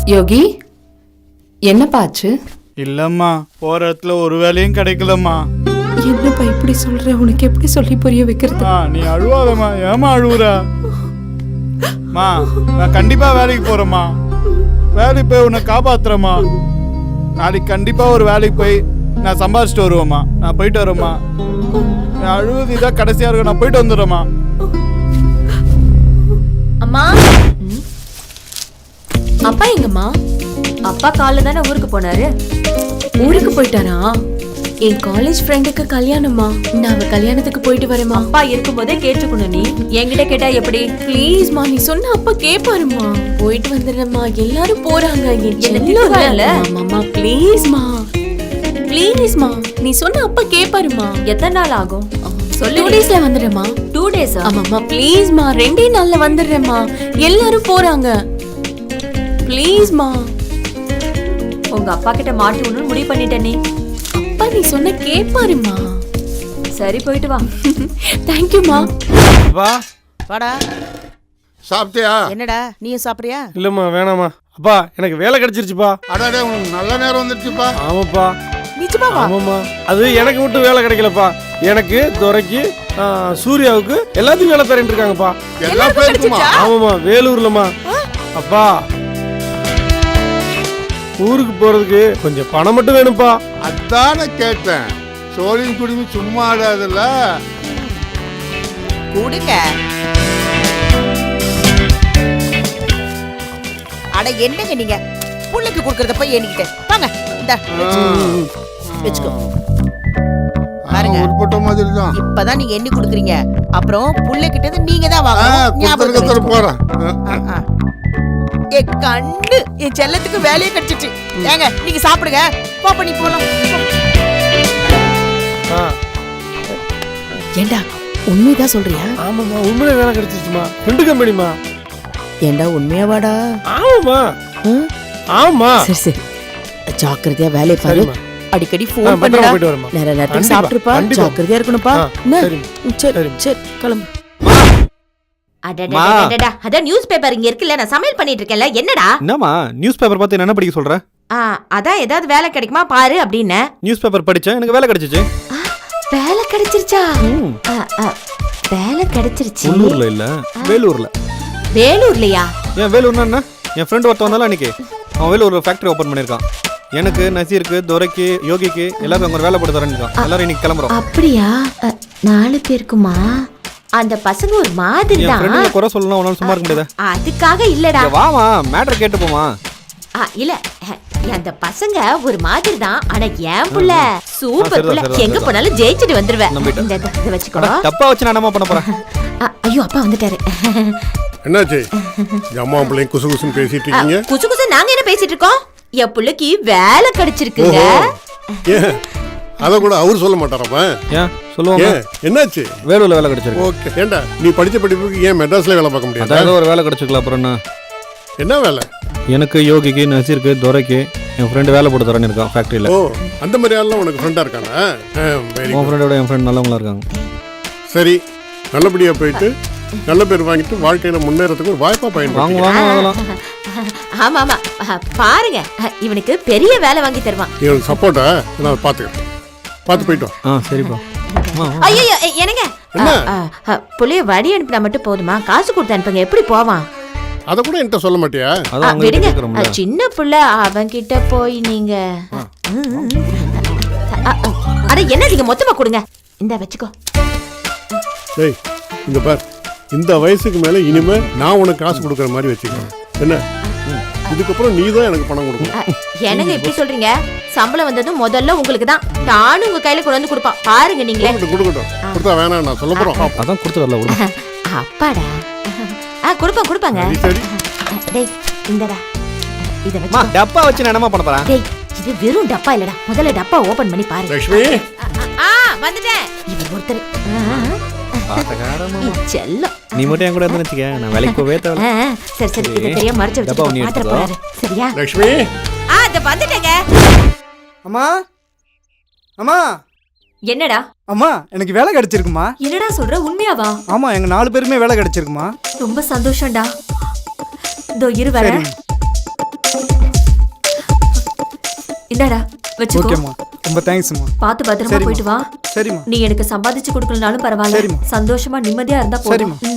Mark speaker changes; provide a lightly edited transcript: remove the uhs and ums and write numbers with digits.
Speaker 1: யோகி, என்னப்பாச்சு?
Speaker 2: இல்லம்மா, போற இடத்துல ஒரு வேலையும் கிடைக்கலம்மா.
Speaker 1: என்னப்பா இப்படி சொல்ற? உனக்கு எப்படி சொல்லி புரிய வைக்கிறது?
Speaker 2: நீ அழுவாதம்மா. ஏமா அழுவுறா? மா, நான் கண்டிப்பா வேலைக்கு போறேம்மா. வேலைக்கு போய் உன்னை காப்பாத்துறேம்மா. நாளைக்கு கண்டிப்பா ஒரு வேலைக்கு போய் நான் சம்பாதிச்சுட்டு வருவேம்மா. நான் போயிட்டு வரேம்மா. அழுவது இதான் கடைசியா இருக்கும். நான் போயிட்டு வந்துடுறேம்மா.
Speaker 3: அம்மா, அப்பா எங்கம்மா? அப்பா காலைல தானே ஊருக்கு போனாரு.
Speaker 1: ஊருக்கு போயிட்டாரா? என் காலேஜ் ஃப்ரெண்டுக்கு கல்யாணமா, நான் அவ கல்யாணத்துக்கு போயிட்டு வரேம்மா.
Speaker 3: அப்பா இருக்கும்போதே கேட்டுக்கணும். நீ என்கிட்ட கேட்டா எப்படி?
Speaker 1: ப்ளீஸ்மா, நீ சொன்ன அப்பா கேப்பாருமா. போயிட்டு வந்துடுறேம்மா. எல்லாரும் போறாங்க.
Speaker 3: என்ன
Speaker 1: ப்ளீஸ்மா, ப்ளீஸ்மா, நீ சொன்ன அப்பா கேப்பாருமா.
Speaker 3: எத்தனை நாள் ஆகும் சொல்லு.
Speaker 1: 2 டேஸ்ல வந்துடுறேம்மா.
Speaker 3: 2 டேஸ்?
Speaker 1: ஆமாம்மா, ப்ளீஸ்மா, 2 நாள்ல வந்துடுறேம்மா. எல்லாரும் போறாங்க. ப்ளீஸ்மா.
Speaker 3: உங்க அப்பா கிட்ட மாட்டி ஒண்ணு முடிவு பண்ணிட்டேன். நீ
Speaker 1: அப்பா நீ சொன்ன கேப்பாருமா.
Speaker 3: சரி, போயிட்டு வா.
Speaker 1: தேங்க்யூமா.
Speaker 2: வா
Speaker 4: வாடா.
Speaker 5: சாப்பிட்டியா?
Speaker 4: என்னடா நீயும் சாப்பிடுறியா?
Speaker 6: இல்லம்மா, வேணாமா. அப்பா எனக்கு வேலை கிடைச்சிருச்சுப்பா.
Speaker 5: அடாடே, உனக்கு நல்ல நேரம் வந்துருச்சுப்பா.
Speaker 6: ஆமாப்பா.
Speaker 4: நிஜமாவா?
Speaker 6: ஆமாம்மா, அது எனக்கு மட்டும் வேலை கிடைக்கலப்பா. எனக்கு, துரைக்கு, சூர்யாவுக்கு எல்லாத்துக்கும் வேலை தரேன் இருக்காங்கப்பா.
Speaker 5: எல்லா பேருக்குமா?
Speaker 6: ஆமாம்மா, வேலூர்லம்மா. அப்பா, ஊருக்கு போறதுக்கு கொஞ்சம் பணம் மட்டும் வேணும்ப்பா.
Speaker 5: அதானே கேட்டேன். சோழின் குடிமி சும்மா ஆடாதுல்ல.
Speaker 4: கொடுங்க. அட என்னங்க நீங்க புள்ளைக்கு கொடுக்கறத போய் எண்ணிக்கிட்டு வாங்க. இந்த வெச்சுக்கோ. பாருங்க,
Speaker 5: உட்பட்ட மாதிரி தான்.
Speaker 4: இப்பதான் நீங்க எண்ணி கொடுக்குறீங்க. அப்புறம் புள்ளைகிட்ட இருந்து நீங்க தான் வாங்கணும். ஞாபகம்
Speaker 5: போறேன்.
Speaker 4: என் கண்ணு, என் செல்லத்துக்கு வேலையே கிடைச்சிச்சு. ஏங்க நீங்க சாப்பிடுங்க. போ, பண்ணி போலாம். ஏண்டா உண்மைதான் சொல்றியா?
Speaker 6: ஆமாம்மா, உண்மையிலே வேலை கிடைச்சிருச்சுமா. 2 கம்பெனிமா.
Speaker 4: ஏண்டா உண்மையாவாடா?
Speaker 6: ஆமாம்மா. ஆமா.
Speaker 4: சரி சரி, ஜாக்கிரதையா வேலையை பாரு. அடிக்கடி போன்
Speaker 6: பத்திரமா
Speaker 4: பண்ணுடா.
Speaker 6: போயிட்டு வரேம்மா.
Speaker 4: நேர நேரத்துக்கு
Speaker 6: கண்டிப்பா,
Speaker 4: சாப்பிட்டுப்பா.
Speaker 6: கண்டிப்பா.
Speaker 4: ஜாக்கிரதையா இருக்கணும்ப்பா.
Speaker 6: சரி.
Speaker 4: சரி சரி, கிளம்பு.
Speaker 3: அடடடடடா, அதான் நியூஸ் பேப்பர் இங்க இருக்குல்ல, நான் சமையல் பண்ணிட்டு இருக்கேன்ல. என்னடா?
Speaker 7: என்னம்மா நியூஸ் பேப்பர் பார்த்து என்ன படிக்க சொல்ற?
Speaker 3: அதான் ஏதாவது வேலை கிடைக்குமா பாரு அப்படின்னு.
Speaker 7: நியூஸ் பேப்பர் படிச்சேன், எனக்கு வேலை கிடைச்சிச்சு.
Speaker 3: வேலை கிடைச்சிருச்சா? வேலை கிடைச்சிருச்சு.
Speaker 7: உள்ளூர்ல இல்ல, வேலூர்ல.
Speaker 3: வேலூர்லயா?
Speaker 7: ஏன் வேலூர்னா என்ன? என் ஃப்ரெண்ட் ஒருத்தன் வந்தாலும் அன்னைக்கு அவன் வேலூர்ல ஃபேக்டரி ஓபன் பண்ணிருக்கான். எனக்கு, நசீருக்கு, துரைக்கு, யோகிக்கு எல்லாரும் அங்க ஒரு வேலை போட்டு தரேன்னு இருக்கான். எல்லாரும் இன்னைக்கு கிளம்புறோம்.
Speaker 3: அப்படியா? 4 பேருக்குமா? அந்த பசங்க ஒரு மாதிரி
Speaker 7: என்
Speaker 3: தான்.
Speaker 7: ஃப்ரெண்ட்ல குறை சொல்லலாம், உன்னால சும்மா இருக்க முடியாது.
Speaker 3: அதுக்காக இல்லடா.
Speaker 7: வாமா, மேட்டர் கேட்டு போமா.
Speaker 3: இல்ல, அந்த பசங்க ஒரு மாதிரி தான். ஆனா என் புள்ள சூப்பர் புள்ள. எங்க போனாலும் ஜெயிச்சிட்டு வந்துருவேன். இத வச்சுக்கோ.
Speaker 7: தப்பா வச்சு நான் என்ன பண்ண போறேன்?
Speaker 3: ஐயோ, அப்பா வந்துட்டாரு.
Speaker 5: என்னாச்சு? அம்மா பிள்ளைங்க குசு குசுன்னு பேசிட்டு இருக்கீங்க.
Speaker 3: குசு குசு நாங்க என்ன பேசிட்டு இருக்கோம்? என் புள்ளைக்கு வேலை கிடைச்சிருக்குங்க.
Speaker 5: ஏன் அத கூட அவர் சொல்ல மாட்டாரப்பா?
Speaker 7: ஏன் சொல்லுவாங்க?
Speaker 5: என்னாச்சு?
Speaker 7: வேலூர்ல வேலை கிடைச்சிருக்கு.
Speaker 5: ஓகே. ஏண்டா நீ படிச்ச படிப்புக்கு ஏன் மெட்ராஸ்ல வேலை பார்க்க முடியாது?
Speaker 7: அதாவது ஒரு வேலை கிடைச்சிருக்கலாம். அப்புறம்
Speaker 5: என்ன வேலை?
Speaker 7: எனக்கு, யோகிக்கு, நசீருக்கு, துரைக்கு என் ஃப்ரெண்டு வேலை போட்டு தரேன்னு இருக்கான் ஃபேக்டரியில.
Speaker 5: ஓ, அந்த மாதிரி ஆள்லாம் உனக்கு ஃப்ரெண்டா இருக்கானா?
Speaker 7: உன் ஃப்ரெண்டோட என் ஃப்ரெண்ட் நல்லவங்களா இருக்காங்க.
Speaker 5: சரி, நல்லபடியா போயிட்டு நல்ல பேர் வாங்கிட்டு வாழ்க்கையில முன்னேறதுக்கு ஒரு வாய்ப்பா பயன்படுத்துங்க.
Speaker 7: வாங்கலாம்.
Speaker 3: ஆமா ஆமா, பாருங்க, இவனுக்கு பெரிய வேலை வாங்கி தருவான்.
Speaker 5: இவனுக்கு சப்போர்ட்டா நான் பாத்துக்கிறேன். பார்த்து போயிட்டு வா.
Speaker 7: சரிப்பா.
Speaker 3: ஐயோ என்னங்க, புள்ளைய வழி அனுப்பினா மட்டும் போதுமா? காசு கொடுத்து அனுப்புங்க. எப்படி போவான்?
Speaker 5: அத கூட என்கிட்ட சொல்ல மாட்டியா?
Speaker 3: விடுங்க, சின்ன புள்ள, அவன் கிட்ட போய் நீங்க. அட என்ன, நீங்க மொத்தமா கொடுங்க. இந்த வச்சுக்கோ.
Speaker 5: டேய், இங்க பார், இந்த வயசுக்கு மேல இனிமே நான் உனக்கு காசு கொடுக்கற மாதிரி வச்சுக்கிறேன். என்ன, இதுக்கப்புறம் நீ தான் எனக்கு பணம் கொடுக்கணும்.
Speaker 3: என்னங்க இப்படி சொல்றீங்க? சம்பளம் வந்ததும் முதல்ல உங்களுக்கு தான். நானும் உங்க கையில கொண்டு வந்து கொடுப்பான். பாருங்க நீங்களே.
Speaker 5: கொடுக்கட்டும். கொடுத்தா வேணாம் நான் சொல்ல போறோம்.
Speaker 7: அதான் கொடுத்து வரல.
Speaker 3: அப்பாடா, கொடுப்பாங்க.
Speaker 5: சரி,
Speaker 3: டேய் இந்தடா, இத
Speaker 7: மா,
Speaker 3: வச்சு.
Speaker 7: டப்பா வச்சு நான் என்னமா பண்ண போறேன்?
Speaker 3: டேய், இது வெறும் டப்பா இல்லடா. முதல்ல டப்பா ஓபன் பண்ணி பாரு.
Speaker 5: லட்சுமி,
Speaker 3: வந்துட்டேன். இவன் ஒருத்தர் செல்லம்.
Speaker 7: நீ மட்டும் என் கூட இருந்து வச்சுக்க, நான் வேலைக்கு போவே தேவை.
Speaker 3: சரி சரி, இத தெரியாம மறைச்சு வச்சு பாத்திர போறாரு. சரியா?
Speaker 5: லட்சுமி,
Speaker 3: அத வந்துட்டேங்க.
Speaker 8: அம்மா, அம்மா.
Speaker 3: என்னடா?
Speaker 8: அம்மா, எனக்கு வேலை கிடைச்சிருக்குமா.
Speaker 3: என்னடா சொல்ற? உண்மையாவா?
Speaker 8: ஆமா, எங்க 4 பேருமே வேலை கிடைச்சிருக்குமா.
Speaker 3: ரொம்ப சந்தோஷம்டா. இதோ இரு வரேன்.
Speaker 1: இந்தாடா வச்சுக்கோ.
Speaker 8: ஓகேம்மா ரொம்ப தேங்க்ஸ்மா.
Speaker 1: பார்த்து பத்திரமா
Speaker 8: சரிம்மா.
Speaker 1: போயிட்டு வா.
Speaker 8: சரிம்மா
Speaker 1: நீ எனக்கு சம்பாதிச்சு கொடுக்கலனாலும் பரவாயில்ல.
Speaker 8: சரிம்மா.
Speaker 1: சந்தோஷமா நிம்மதியா இருந்தா போதும்.
Speaker 8: சரிம்மா.